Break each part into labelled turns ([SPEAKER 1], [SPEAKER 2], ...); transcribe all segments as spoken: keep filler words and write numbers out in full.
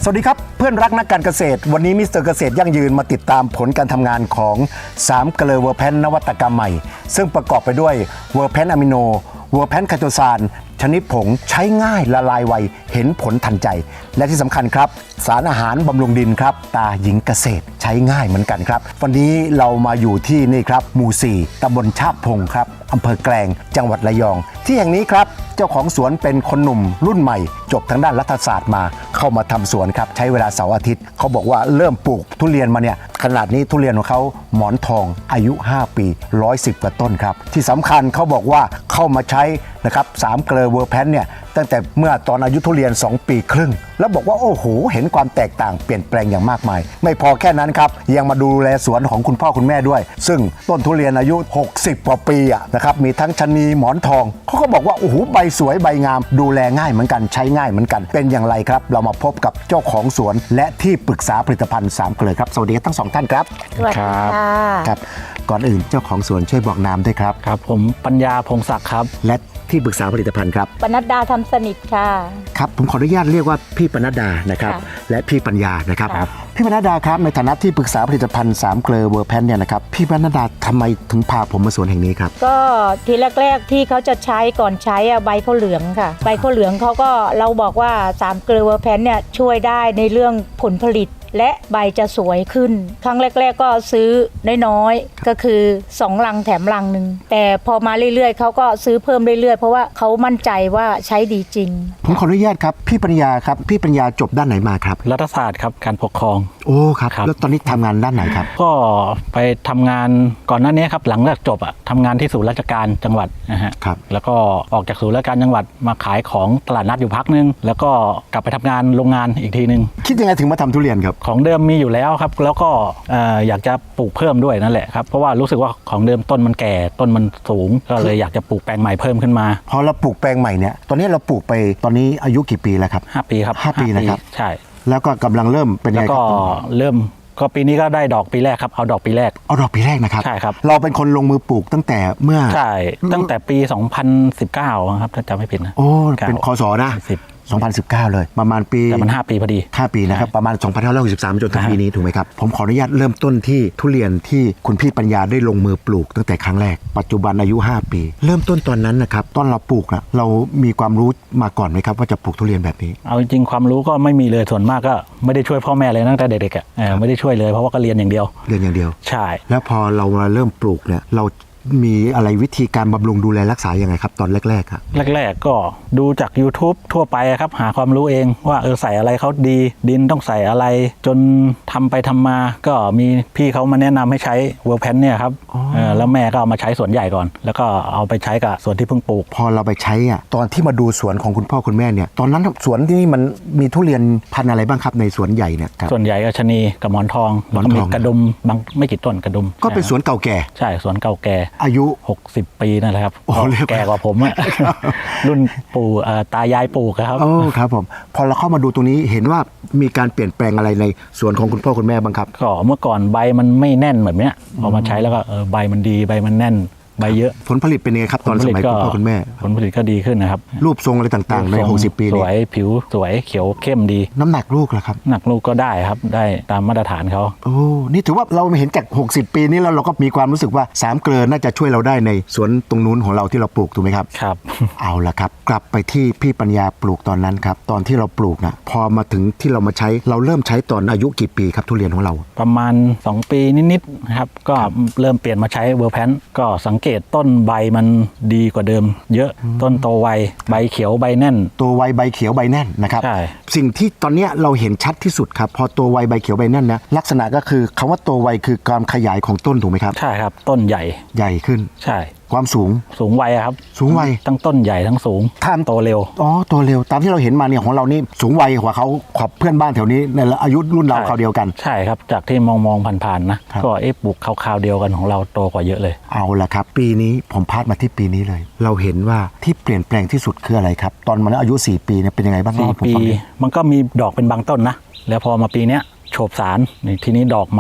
[SPEAKER 1] วัสดีครับเพื่อนรักนักการเกษตรวันนี้มิสเตอร์เกษตรยั่งยืนมาติดตามผลการทำงานของสามเกลือเวอร์แพนนวัตกรรมใหม่ซึ่งประกอบไปด้วยเวอร์แพนอะมิโนเวอร์แพนไคโตซานชนิดผงใช้ง่ายละลายไวเห็นผลทันใจและที่สำคัญครับสารอาหารบำรุงดินครับตาหญิงเกษตรใช้ง่ายเหมือนกันครับวันนี้เรามาอยู่ที่นี่ครับหมู่สี่ตำบลชาบพงครับอำเภอแกลงจังหวัดระยองที่แห่งนี้ครับเจ้าของสวนเป็นคนหนุ่มรุ่นใหม่จบทางด้านรัฐศาสตร์มาเข้ามาทำสวนครับใช้เวลาเสาร์อาทิตย์เขาบอกว่าเริ่มปลูกทุเรียนมาเนี่ยขนาดนี้ทุเรียนของเขาหมอนทองอายุห้าปีหนึ่งร้อยสิบกว่าต้นครับที่สำคัญเขาบอกว่าเข้ามาใช้นะครับสามเกลือเวอร์แพนเนี่ยตั้งแต่เมื่อตอนอายุทุเรียนสองปีครึ่งแล้วบอกว่าโอ้โหเห็นความแตกต่างเปลี่ยนแปลงอย่างมากมายไม่พอแค่นั้นครับยังมาดูแลสวนของคุณพ่อคุณแม่ด้วยซึ่งต้นทุเรียนอายุหกสิบกว่าปีอ่ะนะครับมีทั้งชะนีหมอนทองเขาก็บอกว่าโอ้โหใบสวยใบงามดูแลง่ายเหมือนกันใช้ง่ายเหมือนกันเป็นอย่างไรครับเรามาพบกับเจ้าของสวนและที่ปรึกษาผลิตภัณฑ์สามเกลือครับสวัสดีทั้งสองท่านครับ
[SPEAKER 2] สวัสดีค่ะ
[SPEAKER 1] ครับก่อนอื่นเจ้าของสวนช่วยบอกนามด้วยครับ
[SPEAKER 3] ครับผมปัญญาพงศักดิ์ครับ
[SPEAKER 1] และที่ปรึกษาผลิตภัณฑ์ครับ
[SPEAKER 2] ปนัดดาทำสนิทค่ะ
[SPEAKER 1] ครับผมขออนุญาตเรียกว่าพี่ปนัดดานะครับและพี่ปัญญานะครับพี่ปนัดดาครับในฐานะที่ปรึกษาผลิตภัณฑ์สามเกลือเวอร์แพนเนี่ยนะครับพี่ปนัดดาทำไมถึงพาผมมาสวนแห่งนี้ครับ
[SPEAKER 2] ก็ทีแรกๆที่เขาจะใช้ก่อนใช้ใบข้าวเหลืองค่ะใบข้าวเหลืองเขาก็เราบอกว่าสามเกลือเวอร์แพนเนี่ยช่วยได้ในเรื่องผลผลิตและใบจะสวยขึ้นครั้งแรกๆก็ซื้อน้อยๆก็คือสองลังแถมลังหนึ่งแต่พอมาเรื่อยๆเขาก็ซื้อเพิ่มเรื่อยๆเพราะว่าเขามั่นใจว่าใช้ดีจริง
[SPEAKER 1] ผมขออนุญาตครับพี่ปัญญาครับพี่ปัญญาจบด้านไหนมาครับ
[SPEAKER 3] รัฐศาสตร์ครับการปกครอง
[SPEAKER 1] โอ้ครับแล้วตอนนี้ทำงานด้านไหนครับ
[SPEAKER 3] ก็ไปทำงานก่อนหน้านี้ครับหลังจากจบอ่ะทำงานที่ศูนย์ราชการจังหวัดนะฮะ
[SPEAKER 1] ครับ
[SPEAKER 3] แล้วก็ออกจากศูนย์ราชการจังหวัดมาขายของตลาดนัดอยู่พักนึงแล้วก็กลับไปทำงานโรงงานอีกทีนึง
[SPEAKER 1] คิดยังไงถึงมาทำทุเรียนครับ
[SPEAKER 3] ของเดิมมีอยู่แล้วครับแล้วก็อยากจะปลูกเพิ่มด้วยนั่นแหละครับเพราะว่ารู้สึกว่าของเดิมต้นมันแก่ต้นมันสูงก็เลยอยากจะปลูกแปลงใหม่เพิ่มขึ้นมา
[SPEAKER 1] พอเราปลูกแปลงใหม่เนี่ยตอนนี้เราปลูกไปตอนนี้อายุกี่ปีแล้วครับ
[SPEAKER 3] ห้าปีครับ
[SPEAKER 1] ห้าปีนะครับ
[SPEAKER 3] ใช่
[SPEAKER 1] แล้วก็กำลังเริ่มเป็นไงครับ
[SPEAKER 3] ก็เริ่มก็ปีนี้ก็ได้ดอกปีแรกครับเอาดอกปีแรก
[SPEAKER 1] เอาดอกปีแรกนะครับ
[SPEAKER 3] ใช่ครับ
[SPEAKER 1] เราเป็นคนลงมือปลูกตั้งแต่เมื่อ
[SPEAKER 3] ใช่ตั้งแต่ปีสองพันสิบเก้าครับถ้าจำไม่ผิดนะ
[SPEAKER 1] โอ้เป็นคศนะสองพันสิบเก้าเลยประมาณปี
[SPEAKER 3] แต่มันห้าปีพอดี
[SPEAKER 1] ห้าปีนะครับประมาณสองพันห้าร้อยหกสิบสามจนถึงปีนี้ถูกไหมครับผมขออนุญาตเริ่มต้นที่ทุเรียนที่คุณพี่ปัญญาได้ลงมือปลูกตั้งแต่ครั้งแรกปัจจุบันอายุห้าปีเริ่มต้นตอนนั้นนะครับตอนเราปลูกนะเรามีความรู้มาก่อนไหมครับว่าจะปลูกทุเรียนแบบนี้
[SPEAKER 3] เอาจริงความรู้ก็ไม่มีเลยส่วนมากก็ไม่ได้ช่วยพ่อแม่เลยตั้งแต่เด็กๆอ่ะไม่ได้ช่วยเลยเพราะว่าก็เรียนอย่างเดียว
[SPEAKER 1] เรียนอย่างเดียว
[SPEAKER 3] ใช่
[SPEAKER 1] แล้วพอเรามาเริ่มปลูกเนี่ยเรามีอะไรวิธีการบำรุงดูแลรักษายังไงครับตอนแรกๆครับ
[SPEAKER 3] แรกๆก็ดูจาก YouTube ทั่วไปครับหาความรู้เองว่าเออใส่อะไรเขาดีดินต้องใส่อะไรจนทำไปทำมาก็มีพี่เขามาแนะนำให้ใช้เวอร์แพนเนี่ยครับแล้วแม่ก็เอามาใช้สวนใหญ่ก่อนแล้วก็เอาไปใช้กับสวนที่เพิ่งปลูก
[SPEAKER 1] พอเราไปใช้อ่ะตอนที่มาดูสวนของคุณพ่อคุณแม่เนี่ยตอนนั้นสวนที่นี่มันมีทุเรียนพันธุ์อะไรบ้างครับในสวนใหญ่เนี่ย
[SPEAKER 3] ส่วนใหญ่ก็ชะนีกับหมอนทองแล้วก็มีกระดุมบางไม่กี่ต้นกระดุม
[SPEAKER 1] ก็เป็นสวนเก่าแก่
[SPEAKER 3] ใช่สวนเก่าแก่
[SPEAKER 1] อายุ
[SPEAKER 3] หกสิบปีนั่นแหละครับแก่กว่าผมอะรุ่นปู่ตายายปลูกครับ
[SPEAKER 1] โอ้ครับผมพอเราเข้ามาดูตรงนี้เห็นว่ามีการเปลี่ยนแปลงอะไรในสวนของคุณพ่อคุณแม่บ้างครับ
[SPEAKER 3] ก็เมื่อก่อนใบมันไม่แน่นแบบเนี้ยพอมาใช้แล้วก็ใบมันดีใบมันแน่นใบเยอะ
[SPEAKER 1] ผลผลิตเป็นยังไงครับตอนสมัยคุณพ่อคุณแม่
[SPEAKER 3] ผลผลิตก็ดีขึ้นนะครับ
[SPEAKER 1] รูปทรงอะไรต่างๆในหกสิบปี
[SPEAKER 3] นี้สวยผิวสวยเขียวเข้มดี
[SPEAKER 1] น้ำหนักลูกล่ะครับ
[SPEAKER 3] หนักลูกก็ได้ครับได้ตามมาตรฐานเขา
[SPEAKER 1] โอ้นี่ถือว่าเราเห็นจากหกสิบปีนี้แล้วเราก็มีความรู้สึกว่าสามเกลือน่าจะช่วยเราได้ในสวนตรงนู้นของเราที่เราปลูกถูกไหมครับ
[SPEAKER 3] ครับ
[SPEAKER 1] เอาละครับกลับไปที่พี่ปัญญาปลูกตอนนั้นครับตอนที่เราปลูกนะพอมาถึงที่เรามาใช้เราเริ่มใช้ตอนอายุกี่ปีครับทุเรียนของเรา
[SPEAKER 3] ประมาณสองปีนิดๆนะครับก็เริ่มเปลี่ยนมาใช้เวอร์แพนก็สังเกตต้นใบมันดีกว่าเดิมเยอะต้นโตไวใบเขียวใบแน่น
[SPEAKER 1] โตไวใบเขียวใบแน่นนะครับใช่สิ่งที่ตอนนี้เราเห็นชัดที่สุดครับพอโตไวใบเขียวใบแน่นนะลักษณะก็คือคำว่าโตไวคือการขยายของต้นถูกไหมครับ
[SPEAKER 3] ใช่ครับต้นใหญ่
[SPEAKER 1] ใหญ่ขึ้น
[SPEAKER 3] ใช่
[SPEAKER 1] ความสูง
[SPEAKER 3] สูงไวครับ
[SPEAKER 1] สูงไว
[SPEAKER 3] ทั้งต้นใหญ่ทั้งสูง
[SPEAKER 1] ท่าม
[SPEAKER 3] โตเร็ว
[SPEAKER 1] อ๋อโตเร็วตามที่เราเห็นมาเนี่ยของเรานี่สูงไวกว่าเขาขอบเพื่อนบ้านแถวนี้ในอายุรุ่นเราคราวเดียวกัน
[SPEAKER 3] ใช่ครับจากที่มองมองผ่านๆนะก็เอ๊ะปลูกคราวๆเดียวกันของเราโตกว่าเยอะเลย
[SPEAKER 1] เอาละครับปีนี้ผมพาดมาที่ปีนี้เลยเราเห็นว่าที่เปลี่ยนแปลงที่สุดคืออะไรครับตอนมันอายุสี่ปีเนี่ยเป็นยังไงบ้าง
[SPEAKER 3] สี่ปีมันก็มีดอกเป็นบางต้นนะแล้วพอมาปีเนี้ยโฉบสารทีนี้ดอกมา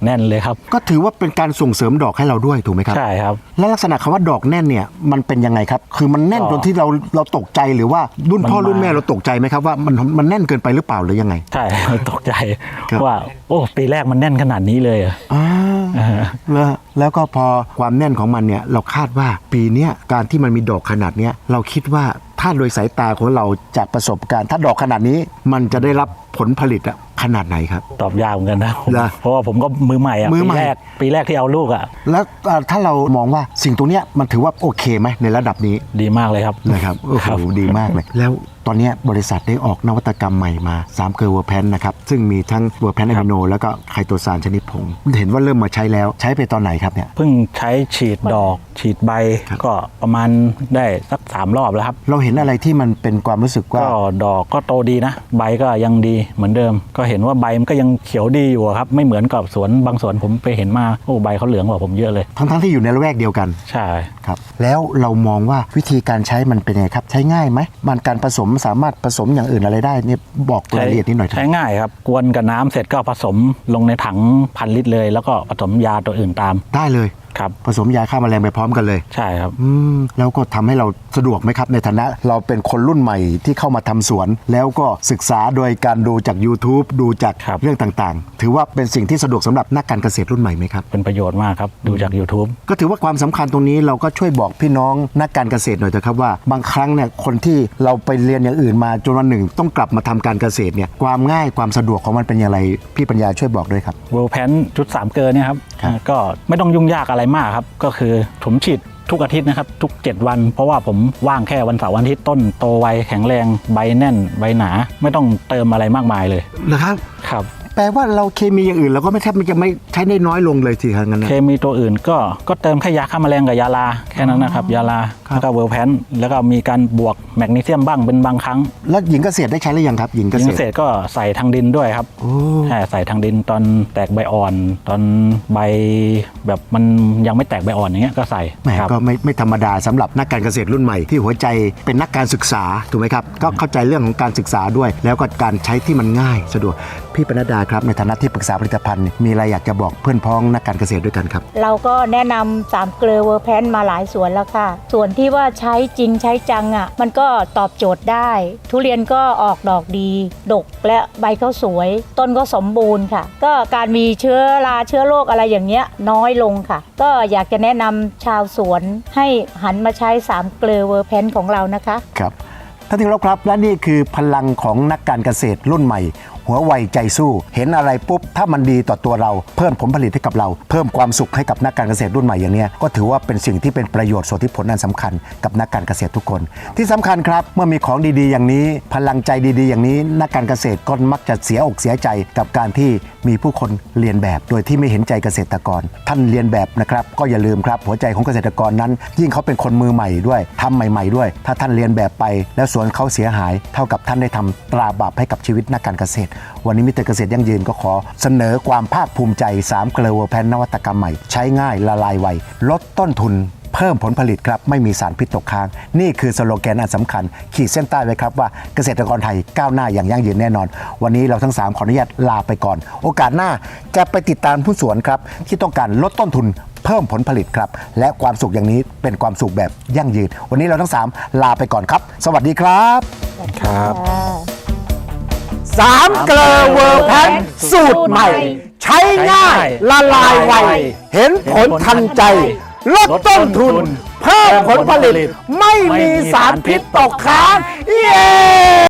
[SPEAKER 3] แน่นเลยครับ
[SPEAKER 1] ก็ถือว่าเป็นการส่งเสริมดอกให้เราด้วยถูกไหมครับ
[SPEAKER 3] ใช่ครับ
[SPEAKER 1] และลักษณะคำว่าดอกแน่นเนี่ยมันเป็นยังไงครับคือมันแน่นจนที่เราเราตกใจหรือว่ารุ่นพ่อรุ่นแม่เราตกใจไหมครับว่ามันมันแน่นเกินไปหรือเปล่าหรือยังไง
[SPEAKER 3] ใช่ ตกใจ
[SPEAKER 1] ครับ
[SPEAKER 3] ว่าโอ้ปีแรกมันแน่นขนาดนี้เลยเหรอ
[SPEAKER 1] อ่า
[SPEAKER 3] อ่า
[SPEAKER 1] แล้วแล้วก็พอความแน่นของมันเนี่ยเราคาดว่าปีเนี้ยการที่มันมีดอกขนาดเนี้ยเราคิดว่าถ้าโดยสายตาของเราจากประสบการณ์ ถ้าดอกขนาดนี้มันจะได้รับผลผลิตอะขนาดไหนครับ
[SPEAKER 3] ตอบยากเหมือนกันนะผม
[SPEAKER 1] เหรอ
[SPEAKER 3] เพราะว่าผมก็มือใหม่อะ
[SPEAKER 1] มือ
[SPEAKER 3] ปี
[SPEAKER 1] ใหม่
[SPEAKER 3] แรกปีแรกที่เอาลูกอะ
[SPEAKER 1] แล้วเอ่อถ้าเรามองว่าสิ่งตรงเนี้ยมันถือว่าโอเคไหมในระดับนี้
[SPEAKER 3] ดีมากเลยครับ
[SPEAKER 1] นะครับโอ้
[SPEAKER 3] ครั
[SPEAKER 1] โห
[SPEAKER 3] บ
[SPEAKER 1] ดีมากเลย แล้วตอนเนี้ยบริษัทได้ออกนวัตกรรมใหม่มาสามเกลือเวอร์แพนนะครับซึ่งมีทั้งเวอร์แพนอะมิโนแล้วก็ไคโตซานชนิดผงเห็นว่าเริ่มมาใช้แล้วใช้ไปตอนไหนครับเนี่ย
[SPEAKER 3] เพิ่งใช้ฉีดดอกฉีดใบ
[SPEAKER 1] ครับ
[SPEAKER 3] ก็ประมาณได้สักสามรอบแล้วครับ
[SPEAKER 1] เราเห็นอะไรที่มันเป็นความรู้สึกว่า
[SPEAKER 3] ก็ดอกก็โตดีนะ ใบก็ยังดีเหมือนเดิม ก็เห็นว่าใบมันก็ยังเขียวดีอยู่อะครับ ไม่เหมือนกับสวนบางสวนผมไปเห็นมาโอ้ใบเขาเหลืองกว่าผมเยอะเลย
[SPEAKER 1] ทั้งๆที่อยู่ในละแวกเดียวกัน
[SPEAKER 3] ใช่
[SPEAKER 1] ครับแล้วเรามองว่าวิธีการใช้มันเป็นไงครับใช้ง่ายไหมมันการผสมสามารถผสมอย่างอื่นอะไรได้เนี่ยบอกรายละเอียดนิดหน่อยเถ
[SPEAKER 3] ใช้
[SPEAKER 1] อะ
[SPEAKER 3] ง่ายครับ กวนกับน้ำเสร็จก็ผสมลงในถังพันลิตรเลย แล้วก็ผสมยาตัวอื่นตาม
[SPEAKER 1] ได้เลย
[SPEAKER 3] ครับ
[SPEAKER 1] ผสมยาฆ่าแมลงไปพร้อมกันเลย
[SPEAKER 3] ใช่ครับ
[SPEAKER 1] อืมแล้วก็ทำให้เราสะดวกไหมครับในฐานะเราเป็นคนรุ่นใหม่ที่เข้ามาทำสวน แล้วก็ศึกษาโดยการดูจาก YouTube ดูจาก
[SPEAKER 3] ครับ
[SPEAKER 1] เรื่องต่างๆ ถือว่าเป็นสิ่งที่สะดวกสำหรับนักการเกษตรรุ่นใหม่ไหมครับ
[SPEAKER 3] เป็นประโยชน์มากครับ ดูจาก YouTube
[SPEAKER 1] ก็ถือว่าความสำคัญตรงนี้เราก็ช่วยบอกพี่น้องนักการเกษตรหน่อยเถอะครับว่าบางครั้งเนี่ยคนที่เราไปเรียนอย่างอื่นมาจนวันหนึ่งต้องกลับมาทำการเกษตรเนี่ยความง่ายความสะดวกของมันเป็นอย่างไรพี่ปัญญาช่วยบอกด้วยครับ
[SPEAKER 3] เวลแพนชุดสามเกลอเนี่ยครับ
[SPEAKER 1] ครับ
[SPEAKER 3] ก็ไม่ต้องยุ่งยากอะไรมากครับ ก็คือผมฉีดทุกอาทิตย์นะครับ ทุก เจ็ด วัน เพราะว่าผมว่างแค่วันเสาร์วันอาทิตย์ต้นโตไวแข็งแรงใบแน่นใบหนา ไม่ต้องเติมอะไรมากมายเลย
[SPEAKER 1] นะครับ
[SPEAKER 3] ครับ
[SPEAKER 1] แปลว่าเราเคมีอย่างอื่นเราก็ไม่แทบมันจะไม่ใช้ได้น้อยลงเลยสิครับงั้นนะ
[SPEAKER 3] เคมีตัวอื่นก็ก็เติมแค่ยาฆ่าแมลงกับยาลาแค่นั้นนะครับ ยาลา
[SPEAKER 1] ครับ
[SPEAKER 3] แล้วก็เวลแพนแล้วก็มีการบวกแมกนีเซียมบ้างเป็นบางครั้ง
[SPEAKER 1] แล้วหญิงเกษตรได้ใช้หรือยังครับหญิงเก
[SPEAKER 3] ยิ
[SPEAKER 1] ษ
[SPEAKER 3] ง
[SPEAKER 1] ตร
[SPEAKER 3] เศษก็ใส่ทางดินด้วยครับ
[SPEAKER 1] โอ้
[SPEAKER 3] ใช่ใส่ทางดินตอนแตกใบอ่อน ตอนใบแบบมันยังไม่แตกใบอ่อนอย่างเงี้ยก็ใส่
[SPEAKER 1] แหม
[SPEAKER 3] ครับ
[SPEAKER 1] ก็ไม่ไม่ธรรมดาสำหรับนักการเกษตรรุ่นใหม่ที่หัวใจเป็นนักการศึกษาถูกไหมครับก็เข้าใจเรื่องของการศึกษาด้วย แล้วก็การใช้ที่มันง่ายสะดวกพี่ปนัดดาครับในฐานะที่ปรึกษาผลิตภัณฑ์มีอะไรอยากจะบอกเพื่อนพ้องนักการเกษตรด้วยกันครับ
[SPEAKER 2] เราก็แนะนำสามเกลือเวอร์แพนมาหลายสวนแล้วค่ะ ส่วนที่ว่าใช้จริงใช้จังอ่ะ มันก็ตอบโจทย์ได้ ทุเรียนก็ออกดอกดี ดกและใบเขาสวย ต้นก็สมบูรณ์ค่ะ ก็การมีเชื้อราเชื้อโรคอะไรอย่างเงี้ยน้อยลงค่ะ ก็อยากจะแนะนำชาวสวนให้หันมาใช้สามเกลือเวอร์แพนของเรานะคะ
[SPEAKER 1] ครับท่านที่เคารพครับและนี่คือพลังของนักการเกษตรรุ่นใหม่ หัวไวใจสู้ เห็นอะไรปุ๊บถ้ามันดีต่อตัวเราเพิ่มผลผลิตให้กับเราเพิ่มความสุขให้กับนักการเกษตรรุ่นใหม่อย่างเนี้ยก็ถือว่าเป็นสิ่งที่เป็นประโยชน์ส่วนที่ผลอันสำคัญกับนักการเกษตรทุกคน ที่สำคัญครับเมื่อมีของดีๆอย่างนี้ พลังใจดีๆอย่างนี้นักการเกษตรก็มักจะเสียอกเสียใจกับการที่มีผู้คนเรียนแบบโดยที่ไม่เห็นใจเกษตรกร ท่านเรียนแบบนะครับก็อย่าลืมครับหัวใจของเกษตรกรนั้น ยิ่งเขาเป็นคนมือใหม่ด้วยทำใหม่ ๆด้วย ถ้าท่านเรียนแบบไปแล้วสวนเขาเสียหาย เท่ากับท่านได้ทำตราบาปให้กับชีวิตนักการเกษตร วันนี้มิสเตอร์เกษตรยั่งยืนก็ขอเสนอความภาคภูมิใจสามเกลือเวอร์แพนนวัตกรรมใหม่ใช้ง่ายละลายไวลดต้นทุน เพิ่มผลผลิตครับไม่มีสารพิษตกค้าง นี่คือสโลแกนอันสำคัญ ขีดเส้นใต้ไว้ครับว่าเกษตรกรไทยก้าวหน้าอย่างยั่งยืนแน่นอน วันนี้เราทั้งสามขออนุญาตลาไปก่อน โอกาสหน้าจะไปติดตามผู้สวนครับที่ต้องการลดต้นทุน เพิ่มผลผลิตครับและความสุขอย่างนี้เป็นความสุขแบบยั่งยืน วันนี้เราทั้งสามลาไปก่อนครับ สวัสดีครับ
[SPEAKER 3] ครับ
[SPEAKER 1] สามเกลอเวอร์แพนสูตรใหม่ ใช้ง่ายละลายไวเห็นผลทันใจ ลดต้นทุน เพิ่มผลผลิต ไม่มีสารพิษตกค้าง เย้